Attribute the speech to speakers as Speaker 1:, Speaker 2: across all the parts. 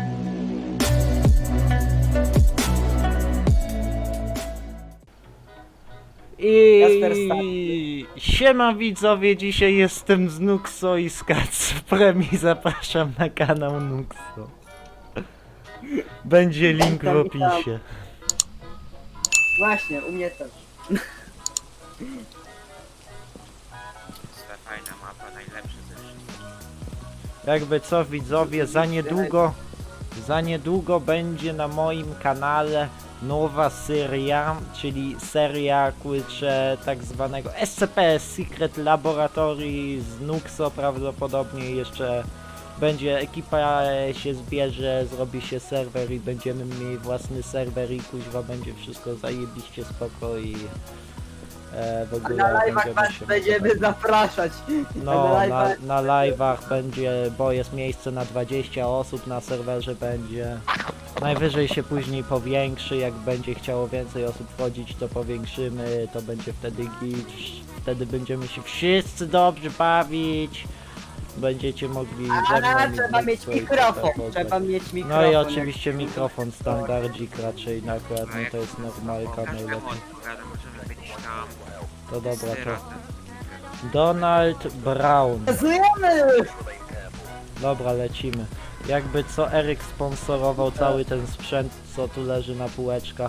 Speaker 1: I siema widzowie, dzisiaj jestem z Nuxo i z Kacprem i zapraszam na kanał Nuxo. Będzie link w opisie.
Speaker 2: Właśnie, u mnie też.
Speaker 3: Ta fajna mapa, najlepsza ze wszystkich.
Speaker 1: Jakby co widzowie, za niedługo będzie na moim kanale nowa seria, czyli seria kurczę tak zwanego SCP Secret Laboratory z Nuxo prawdopodobnie jeszcze będzie ekipa się zbierze, zrobi się serwer i będziemy mieli własny serwer i kuźwa będzie wszystko zajebiście spoko i w
Speaker 2: A
Speaker 1: ogóle
Speaker 2: na live'ach was
Speaker 1: się
Speaker 2: będziemy zapraszać.
Speaker 1: no,
Speaker 2: A na
Speaker 1: na live'ach będzie, bo jest miejsce na 20 osób na serwerze będzie. Najwyżej się później powiększy, jak będzie chciało więcej osób wchodzić, to powiększymy, to będzie wtedy git. Wtedy będziemy się wszyscy dobrze bawić. Będziecie mogli ze mną
Speaker 2: A
Speaker 1: i
Speaker 2: trzeba
Speaker 1: z
Speaker 2: mieć
Speaker 1: Nexo i
Speaker 2: mikrofon,
Speaker 1: tak
Speaker 2: trzeba
Speaker 1: dalej.
Speaker 2: mieć mikrofon.
Speaker 1: No i
Speaker 2: jak-
Speaker 1: oczywiście mikrofon standardzik raczej akurat, no to jest normalka
Speaker 3: Każdemu
Speaker 1: najlepiej.
Speaker 3: odpowiada, możemy być tam.
Speaker 1: To dobra, to
Speaker 3: Syratem.
Speaker 1: Donald Brown.
Speaker 2: Zjemy!
Speaker 1: Dobra, lecimy. Jakby co, Eryk sponsorował cały ten sprzęt, co tu leży na półeczkach.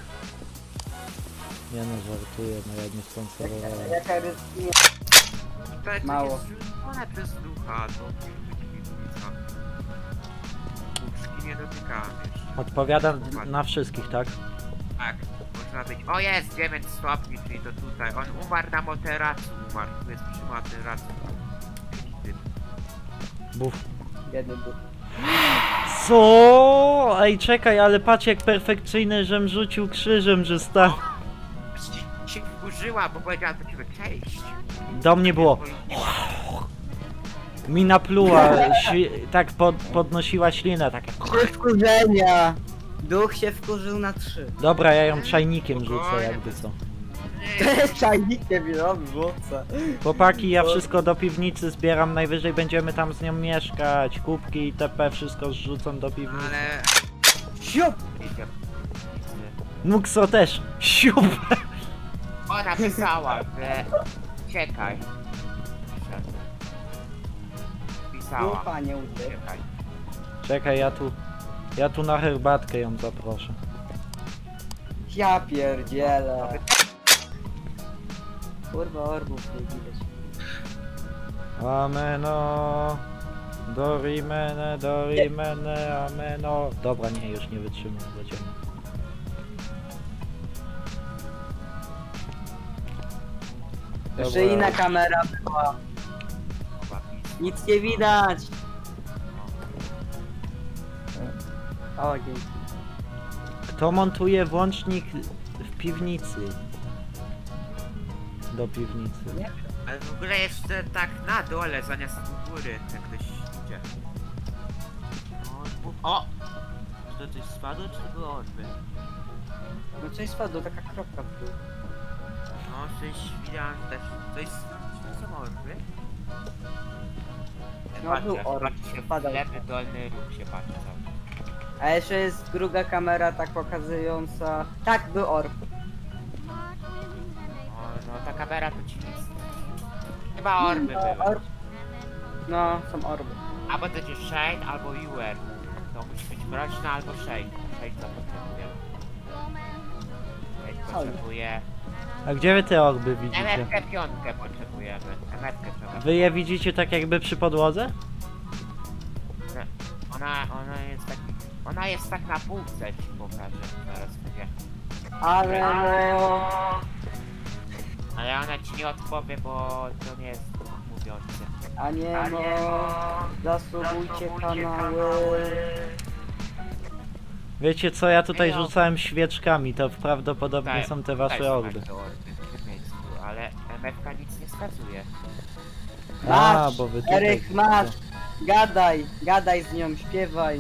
Speaker 1: Nie no, żartuję, no ja nie sponsorowałem.
Speaker 2: Jaka ryzyko.
Speaker 3: Tak,
Speaker 2: Mało.
Speaker 3: jest zrzucone przez ducha, to musi być piwnica. Puszki nie dotykamy już.
Speaker 1: Odpowiadam na wszystkich, tak?
Speaker 3: Tak, można być. O jest, 9 stopni, czyli to tutaj. On umarł na materacu, tu jest przy materacu. Typ.
Speaker 1: Buf.
Speaker 2: Biedny duch.
Speaker 1: Co? Ej, czekaj, ale patrz jak perfekcyjny, żem rzucił krzyżem, że stał.
Speaker 3: Się wkurzyła, bo powiedziała do ciebie cześć.
Speaker 1: Do mnie było. Mi napluła, tak podnosiła ślinę, tak jak...
Speaker 2: Wkurzenia! Duch się wkurzył na 3.
Speaker 1: Dobra, ja ją czajnikiem rzucę, jakby co.
Speaker 2: Czajnikiem robi włóca.
Speaker 1: Chłopaki, ja wszystko do piwnicy zbieram, najwyżej będziemy tam z nią mieszkać, kubki itp. Wszystko zrzucam do piwnicy.
Speaker 3: Ale...
Speaker 2: Siup!
Speaker 1: Nuxo też, siup!
Speaker 3: Ona pisała, że... Czekaj. Pisała.
Speaker 2: Ducha nie uciekł.
Speaker 3: Czekaj.
Speaker 1: Czekaj, ja tu na herbatkę ją zaproszę.
Speaker 2: Ja pierdzielę. Kurwa orbów nie widać.
Speaker 1: Ameno, dorimene, ameno. Dobra, nie, już nie wytrzymam, lecimy.
Speaker 2: Jeszcze
Speaker 1: Dobra.
Speaker 2: inna kamera była.
Speaker 3: Chyba
Speaker 2: Nic nie widać. O, dzięki.
Speaker 1: Kto montuje włącznik w piwnicy? Do piwnicy.
Speaker 2: Nie?
Speaker 3: Ale w ogóle jeszcze tak na dole zamiast u góry, jak ktoś idzie. O! Czy to coś spadło, czy to było orby?
Speaker 2: No coś spadło, taka kropka w dół.
Speaker 3: No, coś widziałem też. Czy to są orby?
Speaker 2: No, był orb.
Speaker 3: Patrzy się w
Speaker 2: Padał.
Speaker 3: lewy dolny róg się patrzy cały czas.
Speaker 2: A jeszcze jest druga kamera tak pokazująca... Tak, był orb.
Speaker 3: No ta kamera to ci nic. Chyba orby były.
Speaker 2: Orb. No, są orby.
Speaker 3: Albo to jest Shade, albo UR. To musi być mroczna albo Shade. Shade to potrzebuje. Shade potrzebuje.
Speaker 1: A gdzie wy te orby widzicie?
Speaker 3: MFkę piątkę potrzebujemy. MFkę trzeba.
Speaker 1: Wy je widzicie tak jakby przy podłodze?
Speaker 3: Ona jest tak na półce, ci pokażę. Zaraz będzie.
Speaker 2: Ale no...
Speaker 3: Ale ona ci nie odpowie, bo to nie jest mówiące.
Speaker 2: A nie no... Zasubujcie kanały.
Speaker 1: Wiecie co, ja tutaj
Speaker 3: Ej, no.
Speaker 1: rzucałem świeczkami, to prawdopodobnie są te wasze orby.
Speaker 3: W miejscu, ale MFK nic nie wskazuje.
Speaker 1: A,
Speaker 2: Masz,
Speaker 1: bo wy tutaj...
Speaker 2: Eryk, masz. Gadaj z nią, śpiewaj.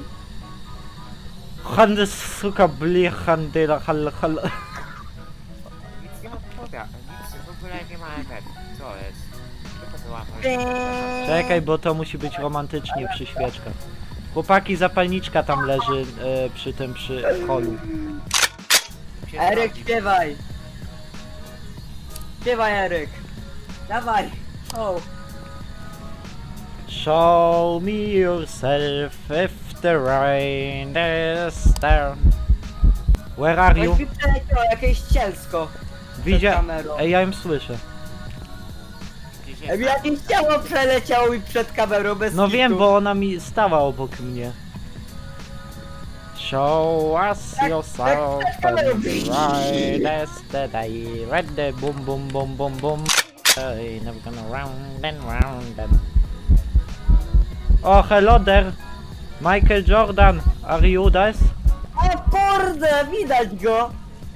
Speaker 1: Handy suka bli handyla hal hal.
Speaker 3: Nic nie odpowiada, nic w ogóle nie ma MFK. Co jest? Co to była?
Speaker 1: Czekaj, bo to musi być romantycznie przy świeczkach. Chłopaki, zapalniczka tam leży przy tym, przy holu.
Speaker 3: Się
Speaker 2: Eryk,
Speaker 3: zrobi.
Speaker 2: śpiewaj! Śpiewaj, Eryk! Dawaj! O!
Speaker 1: Show me yourself if the rain is down. Where are you?
Speaker 2: Ktoś mi przeleciało jakieś cielsko
Speaker 1: Widzia...
Speaker 2: przed kamerą.
Speaker 1: Ej, ja ją słyszę.
Speaker 3: Gdzieś
Speaker 2: Ej,
Speaker 3: jest
Speaker 2: jakieś ciało przeleciało mi przed kamerą bez
Speaker 1: No
Speaker 2: kitu.
Speaker 1: wiem, bo ona mi stała obok mnie. Show us
Speaker 2: Tak,
Speaker 1: yourself
Speaker 2: tak, tak,
Speaker 1: and the rain is the day. Ready, boom, boom, boom, boom, boom. Hey, never gonna round and round and... Oh, hello there! Michael Jordan, are you this?
Speaker 2: O kurde, widać go!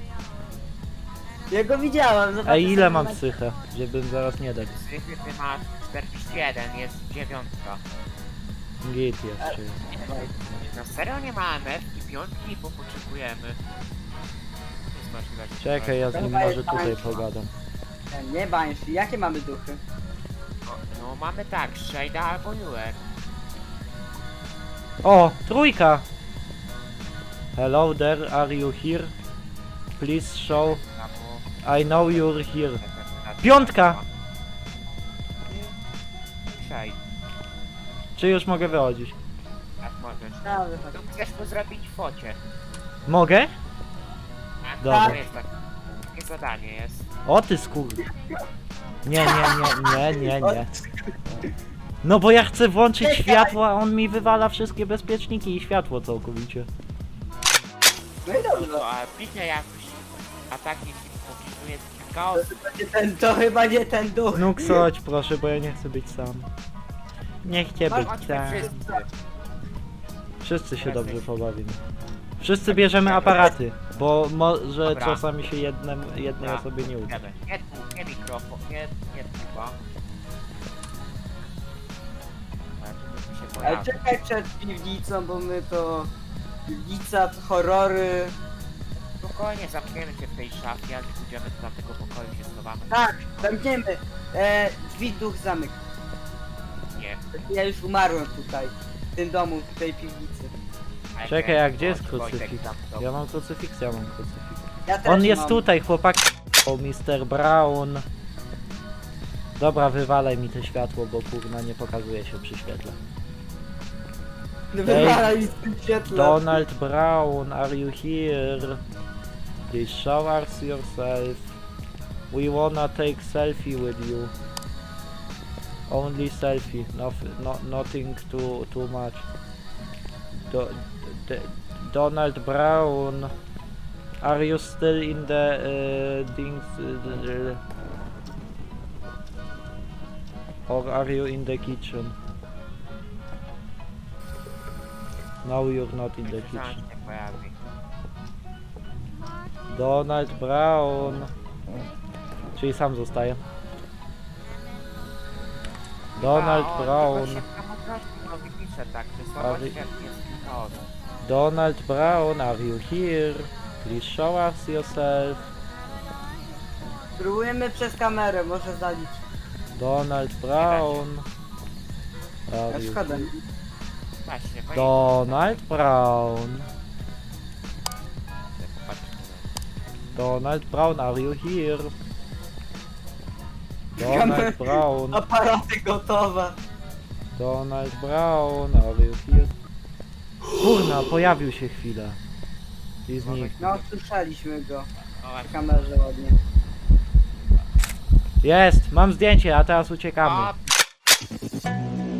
Speaker 2: Ja go widziałem, zobaczcie
Speaker 1: Ej, ile
Speaker 2: sobie
Speaker 1: mam
Speaker 2: na-
Speaker 1: psychę? Żebym zaraz nie dać.
Speaker 3: zwykły, ty masz 41, jest 9.
Speaker 1: Git jeszcze.
Speaker 3: Na serio nie ma MF i 5, bo potrzebujemy. Jest możliwe, że
Speaker 1: Czekaj, ja z nim
Speaker 2: Chyba
Speaker 1: może
Speaker 2: jest
Speaker 1: tutaj
Speaker 2: tańsza.
Speaker 1: pogadam.
Speaker 2: Nie Banshee, jakie mamy duchy?
Speaker 3: No mamy tak, Shade'a albo Newer.
Speaker 1: O, trójka! Hello there, are you here? Please show.
Speaker 3: Albo...
Speaker 1: I know you're here. Piątka!
Speaker 3: Shade,
Speaker 1: Czy już mogę wychodzić?
Speaker 3: tak możesz.
Speaker 2: A, wychodź.
Speaker 3: Tu chcesz mu zrobić focie.
Speaker 1: Mogę?
Speaker 3: Tak,
Speaker 1: Dobra.
Speaker 3: to jest takie zadanie jest.
Speaker 1: O ty skur... Nie, nie. No bo ja chcę włączyć
Speaker 2: Czekaj.
Speaker 1: światło, a on mi wywala wszystkie bezpieczniki i światło całkowicie.
Speaker 2: No i dobrze.
Speaker 3: No, a pisze jakoś atak jeśli popisuje chaos.
Speaker 2: To chyba nie ten duch.
Speaker 1: Nuk, chodź proszę, bo ja nie chcę być sam. Nie chcę być
Speaker 3: Chodźmy
Speaker 1: sam.
Speaker 3: wszyscy.
Speaker 1: Wszyscy się dobrze pobawimy. Wszyscy bierzemy aparaty, bo może
Speaker 3: Dobra.
Speaker 1: czasami się jednej
Speaker 3: Dobra.
Speaker 1: osobie nie uda.
Speaker 3: Nie mikrofon, nie tuba. się
Speaker 2: Ale
Speaker 3: pojawi.
Speaker 2: czekaj przed piwnicą, bo my to... Piwnica, to horrory...
Speaker 3: Spokojnie zamkniemy się w tej szafie, jak pójdziemy do tamtego pokoju się schowamy.
Speaker 2: Tak, zamkniemy. Drzwi duch zamyk.
Speaker 3: Nie.
Speaker 2: Ja już umarłem tutaj. W tym domu, w tej piwnicy.
Speaker 1: Czekaj, a gdzie jest
Speaker 3: Chodź, Wojtek,
Speaker 1: krucyfiks?
Speaker 3: tam to.
Speaker 1: Ja mam krucyfiks, ja mam krucyfiks.
Speaker 2: Ja też
Speaker 1: On jest
Speaker 2: mam.
Speaker 1: tutaj, chłopaki. O, Mr. Brown. Dobra, wywalaj mi to światło, bo kurna nie pokazuje się przy świetle.
Speaker 2: Wywalaj mi z tym świetle.
Speaker 1: Donald Brown, are you here? Please show us yourself. We wanna take selfie with you. Only selfie, nothing too much. Donald Brown, are you still in the things? Or are you in the kitchen? No, you're not in the
Speaker 3: Zaraz
Speaker 1: kitchen.
Speaker 3: się pojawi.
Speaker 1: Donald Brown. Czyli sam zostaje. Donald
Speaker 3: A, o,
Speaker 1: Brown.
Speaker 3: tylko się samotności robi pisze tak, że
Speaker 1: Ale-
Speaker 3: słabość jest chaos.
Speaker 1: Donald Brown, are you here? Please show us yourself.
Speaker 2: Spróbujemy przez kamerę, może zaliczyć.
Speaker 1: Donald Brown.
Speaker 2: Ja
Speaker 1: Are you...
Speaker 2: szkoda.
Speaker 3: Właśnie, bo
Speaker 1: Donald Brown. Donald Brown, are you here? Donald Brown.
Speaker 2: Aparaty gotowe.
Speaker 1: Donald Brown, are you here? Kurna, pojawił się chwilę. I znikł.
Speaker 2: No, słyszeliśmy go
Speaker 3: O,
Speaker 2: w
Speaker 3: właśnie.
Speaker 2: kamerze ładnie.
Speaker 1: Jest, mam zdjęcie, a teraz uciekamy.
Speaker 3: O,